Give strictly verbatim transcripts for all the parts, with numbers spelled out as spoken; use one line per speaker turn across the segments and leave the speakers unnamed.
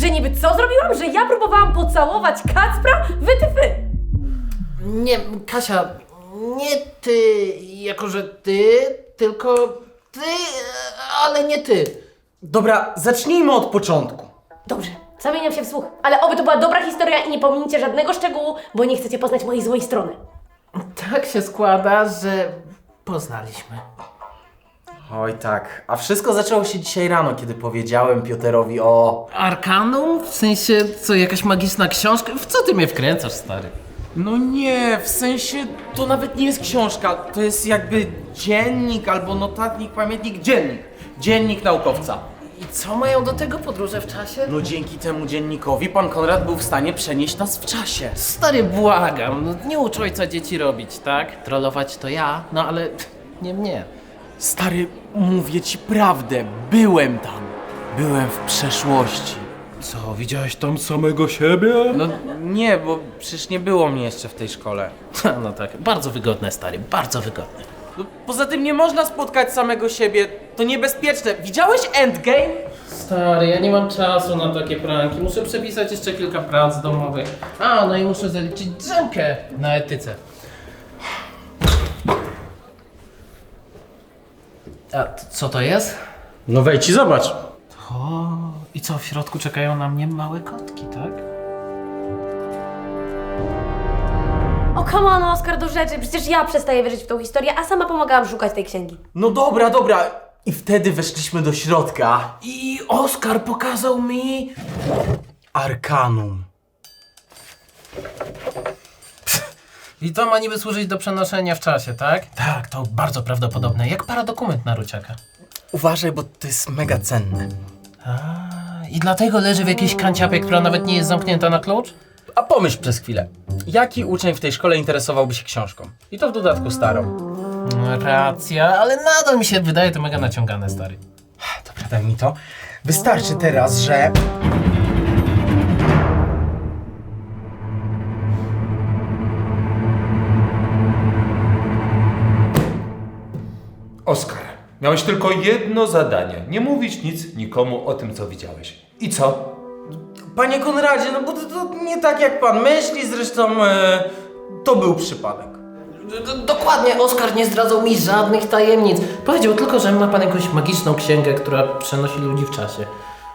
Że niby co zrobiłam? Że ja próbowałam pocałować Kacpra? Wytyfy!
Nie, Kasia, nie ty, jako że ty, tylko ty, ale nie ty.
Dobra, zacznijmy od początku.
Dobrze, zamieniam się w słuch. Ale oby to była dobra historia i nie pominicie żadnego szczegółu, bo nie chcecie poznać mojej złej strony.
Tak się składa, że poznaliśmy.
Oj tak, a wszystko zaczęło się dzisiaj rano, kiedy powiedziałem Pioterowi o...
Arkanum? W sensie, co, jakaś magiczna książka? W co ty mnie wkręcasz, stary?
No nie, w sensie to nawet nie jest książka, to jest jakby dziennik albo notatnik, pamiętnik, dziennik. Dziennik naukowca.
I co mają do tego podróże w czasie?
No dzięki temu dziennikowi pan Konrad był w stanie przenieść nas w czasie.
Stary, błagam, no nie ucz ojca dzieci robić, tak? Trollować to ja, no ale nie mnie.
Stary, mówię ci prawdę, byłem tam. Byłem w przeszłości.
Co, widziałeś tam samego siebie?
No nie, bo przecież nie było mnie jeszcze w tej szkole.
No tak, bardzo wygodne, stary, bardzo wygodne.
No, poza tym nie można spotkać samego siebie, to niebezpieczne. Widziałeś Endgame?
Stary, ja nie mam czasu na takie pranki. Muszę przepisać jeszcze kilka prac domowych. A, no i muszę zaliczyć drzemkę na etyce. A t- co to jest?
No wejdź i zobacz.
O, i co, w środku czekają na mnie małe kotki, tak?
O, come on, Oskar, do rzeczy. Przecież ja przestaję wierzyć w tą historię, a sama pomagałam szukać tej księgi.
No dobra, dobra. I wtedy weszliśmy do środka.
I Oskar pokazał mi...
Arkanum.
I to ma niby służyć do przenoszenia w czasie, tak? Tak, to bardzo prawdopodobne. Jak paradokument na Ruciaka.
Uważaj, bo to jest mega cenne.
A, i dlatego leży w jakiejś kanciapie, która nawet nie jest zamknięta na klucz?
A pomyśl przez chwilę. Jaki uczeń w tej szkole interesowałby się książką? I to w dodatku starą.
No, racja, ale nadal mi się wydaje to mega naciągane, stary.
Dobra, daj mi to. Wystarczy teraz, że...
Oskar, miałeś tylko jedno zadanie. Nie mówić nic nikomu o tym, co widziałeś. I co?
Panie Konradzie, no bo to, to nie tak jak pan myśli, zresztą e, to był przypadek.
D- dokładnie, Oskar nie zdradzał mi żadnych tajemnic. Powiedział tylko, że ma pan jakąś magiczną księgę, która przenosi ludzi w czasie.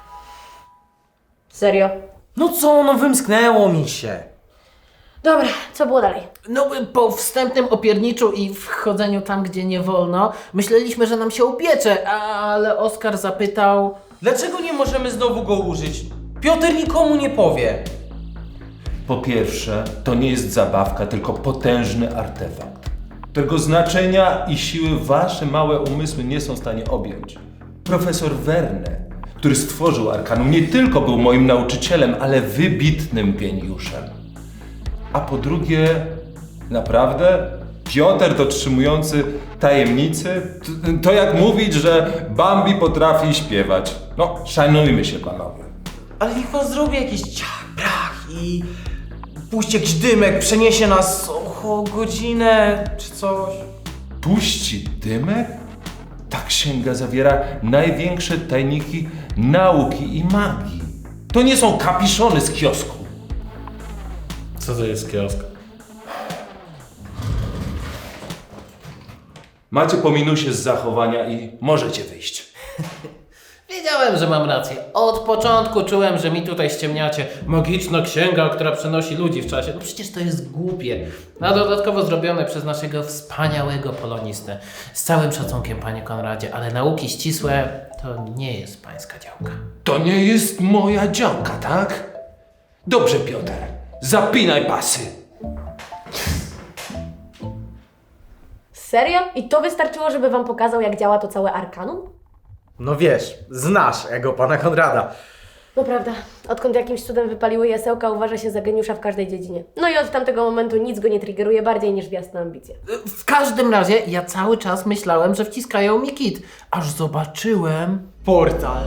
Serio?
No co, no wymsknęło mi się.
Dobra, co było dalej?
No, po wstępnym opierniczu i wchodzeniu tam, gdzie nie wolno, myśleliśmy, że nam się upiecze, ale Oskar zapytał...
Dlaczego nie możemy znowu go użyć? Piotr nikomu nie powie.
Po pierwsze, to nie jest zabawka, tylko potężny artefakt, którego znaczenia i siły wasze małe umysły nie są w stanie objąć. Profesor Verne, który stworzył Arkanum, nie tylko był moim nauczycielem, ale wybitnym geniuszem. A po drugie, naprawdę, Piotr dotrzymujący tajemnicy, to, to jak mówić, że Bambi potrafi śpiewać. No, szanujmy się, panowie.
Ale niech pan zrobi jakiś ciach, brach i puści jakiś dymek, przeniesie nas o godzinę czy coś.
Puści dymek? Ta księga zawiera największe tajniki nauki i magii. To nie są kapiszony z kiosku.
Co to jest kiosk?
Macie po minusie z zachowania i możecie wyjść.
Wiedziałem, że mam rację. Od początku czułem, że mi tutaj ściemniacie. Magiczna księga, która przenosi ludzi w czasie. No przecież to jest głupie. A dodatkowo zrobione przez naszego wspaniałego polonistę. Z całym szacunkiem, panie Konradzie, ale nauki ścisłe to nie jest pańska działka.
To nie jest moja działka, tak? Dobrze, Piotr. Zapinaj pasy.
Serio? I to wystarczyło, żeby wam pokazał, jak działa to całe Arkanum?
No wiesz, znasz jego pana Konrada.
No prawda, odkąd jakimś cudem wypaliły jasełka, uważa się za geniusza w każdej dziedzinie. No i od tamtego momentu nic go nie triggeruje bardziej niż własne ambicje.
W każdym razie ja cały czas myślałem, że wciskają mi kit. Aż zobaczyłem...
Portal.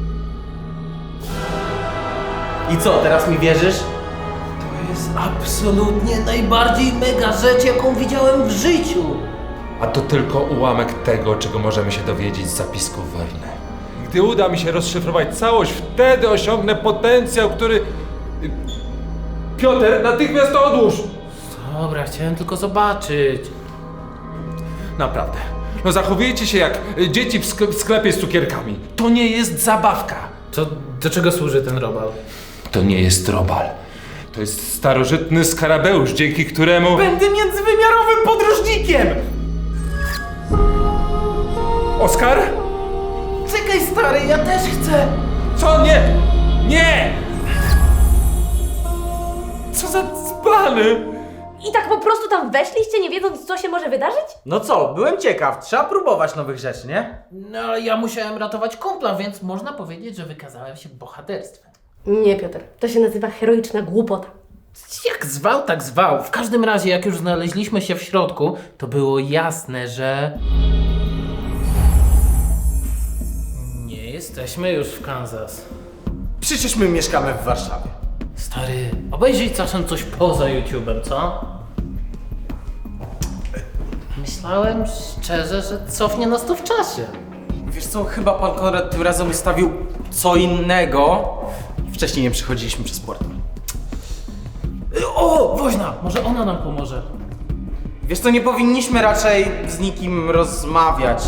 I co, teraz mi wierzysz?
To jest absolutnie najbardziej mega rzecz, jaką widziałem w życiu.
A to tylko ułamek tego, czego możemy się dowiedzieć z zapisków Verne. Gdy uda mi się rozszyfrować całość, wtedy osiągnę potencjał, który... Y, Piotr, natychmiast to odłóż!
Dobra, chciałem tylko zobaczyć.
Naprawdę. No zachowujecie się jak y, dzieci w sk- w sklepie z cukierkami. To nie jest zabawka.
To do czego służy ten robal?
To nie jest robal. To jest starożytny skarabeusz, dzięki któremu...
Będę międzywymiarowym podróżnikiem!
Oskar?
Czekaj stary, ja też chcę!
Co? Nie! Nie! Co za dzbany!
I tak po prostu tam weszliście, nie wiedząc, co się może wydarzyć?
No co, byłem ciekaw, trzeba próbować nowych rzeczy, nie?
No, ale ja musiałem ratować kumpla, więc można powiedzieć, że wykazałem się bohaterstwem.
Nie, Piotr. To się nazywa heroiczna głupota.
Jak zwał, tak zwał. W każdym razie, jak już znaleźliśmy się w środku, to było jasne, że... Nie jesteśmy już w Kansas.
Przecież my mieszkamy w Warszawie.
Stary, obejrzyj czasem coś poza YouTube'em, co? Myślałem szczerze, że cofnie nas to w czasie.
Wiesz co, chyba pan Konrad tym razem ustawił co innego. Wcześniej nie przechodziliśmy przez portal.
O, woźna! Może ona nam pomoże.
Wiesz co, nie powinniśmy raczej z nikim rozmawiać.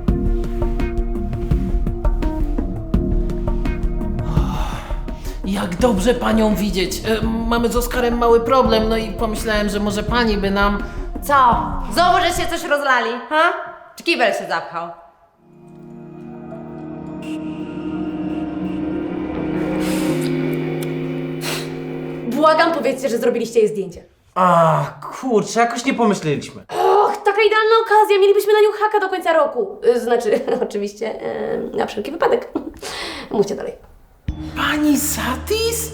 Jak dobrze panią widzieć. E, mamy z Oskarem mały problem, no i pomyślałem, że może pani by nam...
Co? Znowu, że się coś rozlali, ha? Czy kibel się zapchał?
Błagam, powiedzcie, że zrobiliście jej zdjęcie.
A, kurczę, jakoś nie pomyśleliśmy.
Och, taka idealna okazja, mielibyśmy na nią haka do końca roku. Y, Znaczy, oczywiście, y, na wszelki wypadek. Mówcie dalej.
Pani Satis?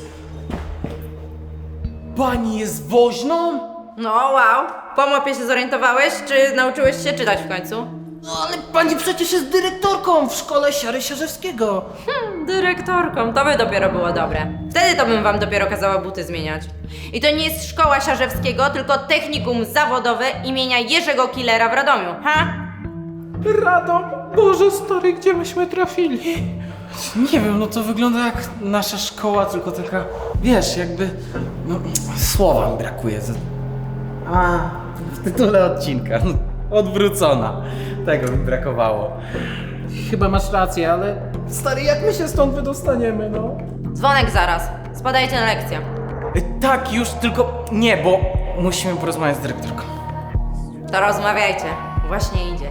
Pani jest woźną?
No wow. Po mapie się zorientowałeś, czy nauczyłeś się czytać w końcu?
No ale pani przecież jest dyrektorką w szkole Siary Siarzewskiego.
Dyrektorką, to by dopiero było dobre. Wtedy to bym wam dopiero kazała buty zmieniać. I to nie jest szkoła Siarzewskiego, tylko technikum zawodowe imienia Jerzego Killera w Radomiu, ha?
Radom, Boże stary, gdzie myśmy trafili?
Nie wiem, no to wygląda jak nasza szkoła, tylko taka, wiesz, jakby, no, słowa mi brakuje. To- A, w tytule odcinka, no, odwrócona. Tego mi brakowało.
Chyba masz rację, ale stary, jak my się stąd wydostaniemy, no?
Dzwonek zaraz. Spadajcie na lekcję.
Y, Tak, już, tylko nie, bo musimy porozmawiać z dyrektorką.
To rozmawiajcie. Właśnie idzie.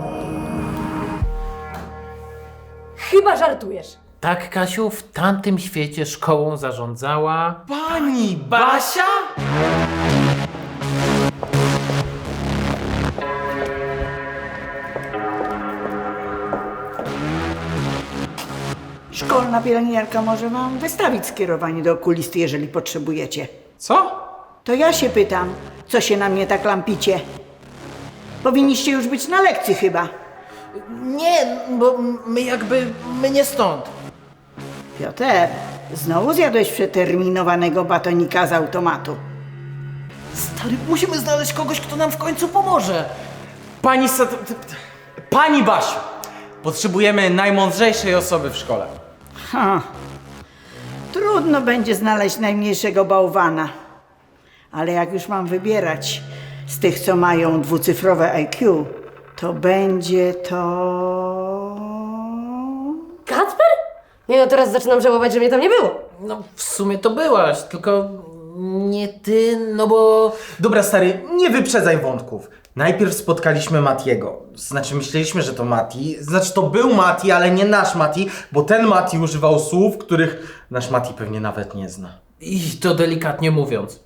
Chyba żartujesz.
Tak, Kasiu, w tamtym świecie szkołą zarządzała...
Pani Basia?
Szkolna pielęgniarka może wam wystawić skierowanie do okulisty, jeżeli potrzebujecie.
Co?
To ja się pytam, co się na mnie tak lampicie? Powinniście już być na lekcji chyba.
Nie, bo my jakby, my nie stąd.
Piotr, znowu zjadłeś przeterminowanego batonika z automatu.
Stary, musimy znaleźć kogoś, kto nam w końcu pomoże.
Pani Sat... Pani Basiu! Potrzebujemy najmądrzejszej osoby w szkole.
Ha. Trudno będzie znaleźć najmniejszego bałwana. Ale jak już mam wybierać z tych, co mają dwucyfrowe I Q, to będzie to...
Kacper? Nie no, teraz zaczynam żałować, że mnie tam nie było.
No, w sumie to byłaś, tylko nie ty, no bo...
Dobra, stary, nie wyprzedzaj wątków. Najpierw spotkaliśmy Matiego. Znaczy, myśleliśmy, że to Mati. Znaczy, to był Mati, ale nie nasz Mati, bo ten Mati używał słów, których nasz Mati pewnie nawet nie zna.
I to delikatnie mówiąc.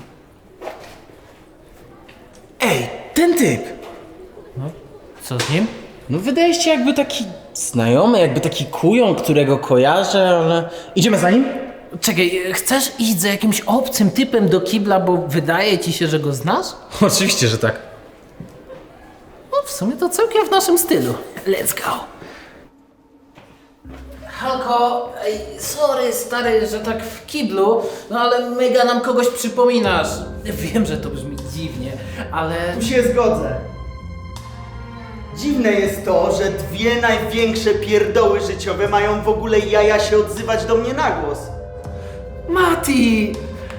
Ej, ten typ!
Co z nim?
No wydaje się jakby taki znajomy, jakby taki kujon, którego kojarzę, ale... Idziemy za nim?
Czekaj, chcesz iść za jakimś obcym typem do kibla, bo wydaje ci się, że go znasz?
Oczywiście, że tak.
No, w sumie to całkiem w naszym stylu. Let's go. Halko, ej, sorry stary, że tak w kiblu, no ale mega nam kogoś przypominasz. Wiem, że to brzmi dziwnie, ale...
Tu się zgodzę. Dziwne jest to, że dwie największe pierdoły życiowe mają w ogóle jaja się odzywać do mnie na głos.
Mati!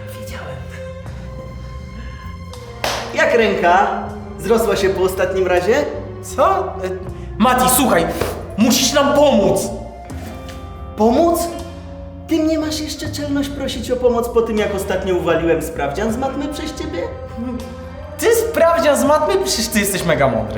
Jak ręka? Zrosła się po ostatnim razie?
Co? E, Mati, słuchaj, musisz nam pomóc!
Pomóc? Ty nie masz jeszcze czelność prosić o pomoc po tym, jak ostatnio uwaliłem sprawdzian z matmy przez ciebie?
Ty sprawdzian z matmy? Przecież ty jesteś mega mądry.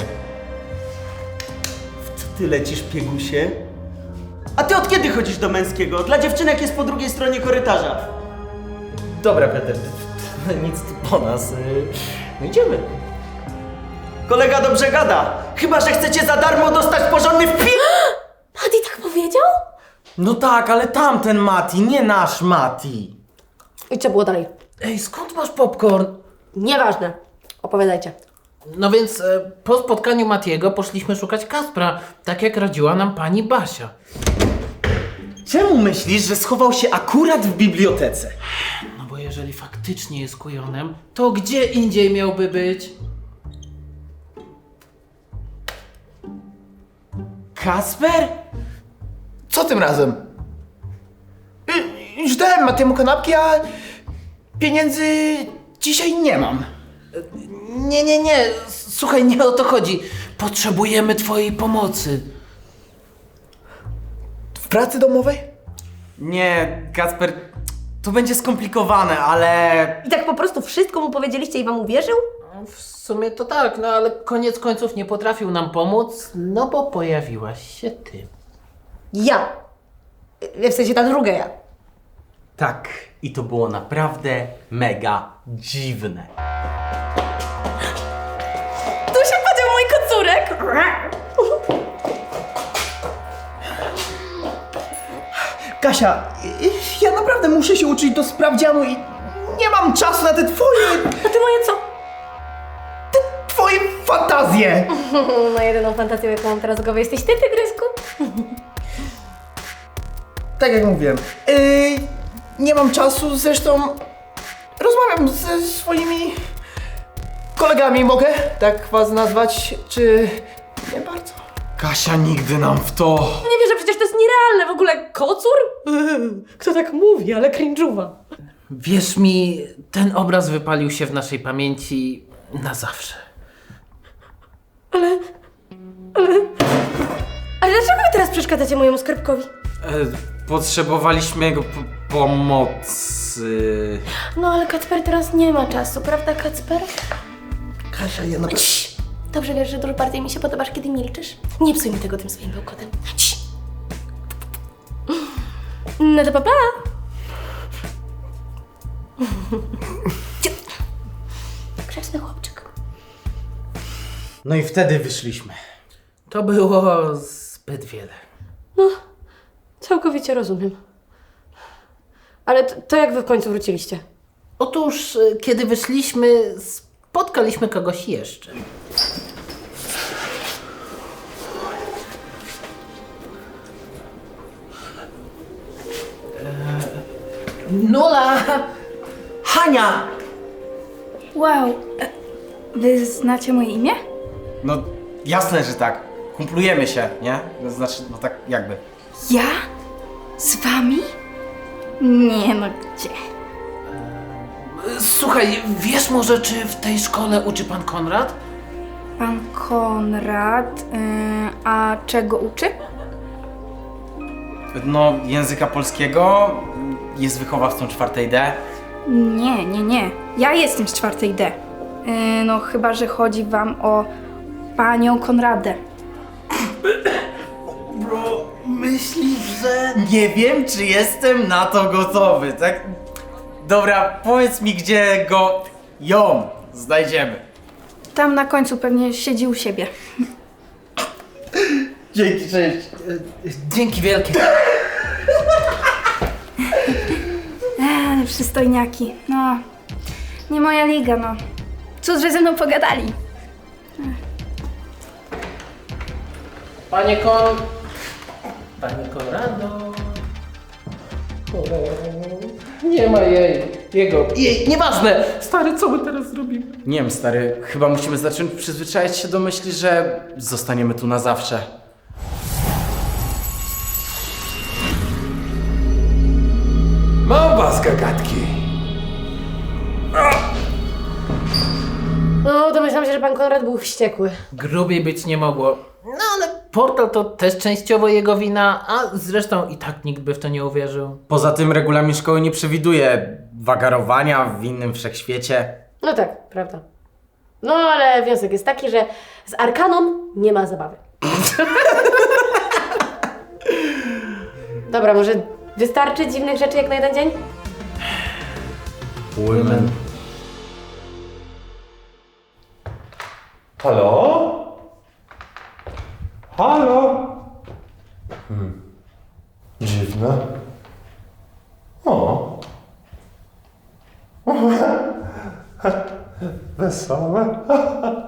W co ty lecisz, piegusie? A ty od kiedy chodzisz do męskiego? Dla dziewczynek jest po drugiej stronie korytarza.
Dobra, Peter, nic tu po nas. No idziemy.
Kolega dobrze gada. Chyba że chcecie za darmo dostać porządny wpis.
Mati tak powiedział?
No tak, ale tamten Mati, nie nasz Mati.
I co było dalej?
Ej, skąd masz popcorn?
Nieważne. Opowiadajcie.
No więc e, po spotkaniu Matiego poszliśmy szukać Kaspra, tak jak radziła nam pani Basia.
Czemu myślisz, że schował się akurat w bibliotece?
No bo jeżeli faktycznie jest kujonem, to gdzie indziej miałby być?
Kasper?
Co tym razem? Y, Już dałem Matiemu kanapki, a pieniędzy dzisiaj nie mam.
Nie, nie, nie, słuchaj, nie o to chodzi. Potrzebujemy twojej pomocy.
W pracy domowej?
Nie, Kasper, to będzie skomplikowane, ale...
I tak po prostu wszystko mu powiedzieliście i wam uwierzył?
W sumie to tak, no ale koniec końców nie potrafił nam pomóc, no bo pojawiłaś się ty.
Ja. W sensie ta druga ja.
Tak, i to było naprawdę mega dziwne.
Tu się podział mój kocurek.
Kasia, y, ja naprawdę muszę się uczyć do sprawdzianu i nie mam czasu na te twoje...
A ty moje co?
twoje fantazje!
No jedyną fantazją, jaką mam teraz w głowie, jesteś ty, tygrysku.
Tak jak mówiłem, yy, nie mam czasu, zresztą rozmawiam ze swoimi kolegami, mogę tak was nazwać, czy nie bardzo?
Kasia nigdy nam w to...
Nie wierzę, przecież to jest nierealne. W ogóle kocur? Kto tak mówi, ale cringe'uwa.
Wierz mi, ten obraz wypalił się w naszej pamięci na zawsze.
Ale... Ale... Ale dlaczego wy teraz przeszkadzacie mojemu skarbkowi?
E, potrzebowaliśmy jego po pomocy...
No ale Kacper teraz nie ma czasu, prawda Kacper?
Kasia, ja naprawdę...
Cii. Dobrze wiesz, że dużo bardziej mi się podobasz, kiedy milczysz. Nie psuj mi tego tym swoim bełkotem. Cii. No to pa, pa. Grzeczny chłopczyk.
No i wtedy wyszliśmy.
To było zbyt wiele.
No, całkowicie rozumiem. Ale to, to jak wy w końcu wróciliście?
Otóż, y, kiedy wyszliśmy, spotkaliśmy kogoś jeszcze. Eee, Nula!
Hania!
Wow, e, wy znacie moje imię?
No jasne, że tak. Kumplujemy się, nie? To znaczy, no tak jakby.
Ja? Z wami? Nie no, gdzie?
Słuchaj, wiesz może, czy w tej szkole uczy pan Konrad?
Pan Konrad, y, a czego uczy?
No, języka polskiego, jest wychowawcą czwartej D.
Nie, nie, nie. Ja jestem z czwartej D. Y, no chyba, że chodzi wam o panią Konradę.
Bro, myślisz, że... Nie wiem, czy jestem na to gotowy, tak? Dobra, powiedz mi, gdzie go... ją znajdziemy.
Tam na końcu pewnie siedzi u siebie.
Dzięki, cześć.
Dzięki wielkie.
Eee, przystojniaki. No, nie moja liga, no. Cóż, że ze mną pogadali.
Panie Kon... Panie Konrado... O, nie ma jej. Jego, jej, nieważne! Stary, co my teraz zrobimy?
Nie wiem, stary, chyba musimy zacząć przyzwyczaić się do myśli, że zostaniemy tu na zawsze.
Mam was, gagatki.
No, domyślam się, że pan Konrad był wściekły.
Grubiej być nie mogło. No ale portal to też częściowo jego wina, a zresztą i tak nikt by w to nie uwierzył.
Poza tym regulamin szkoły nie przewiduje wagarowania w innym wszechświecie.
No tak, prawda. No, ale wniosek jest taki, że z Arkaną nie ma zabawy. Dobra, może wystarczy dziwnych rzeczy jak na jeden dzień?
Women.
Halo? Halo? Hmm. Dziwne. O. Wesołe.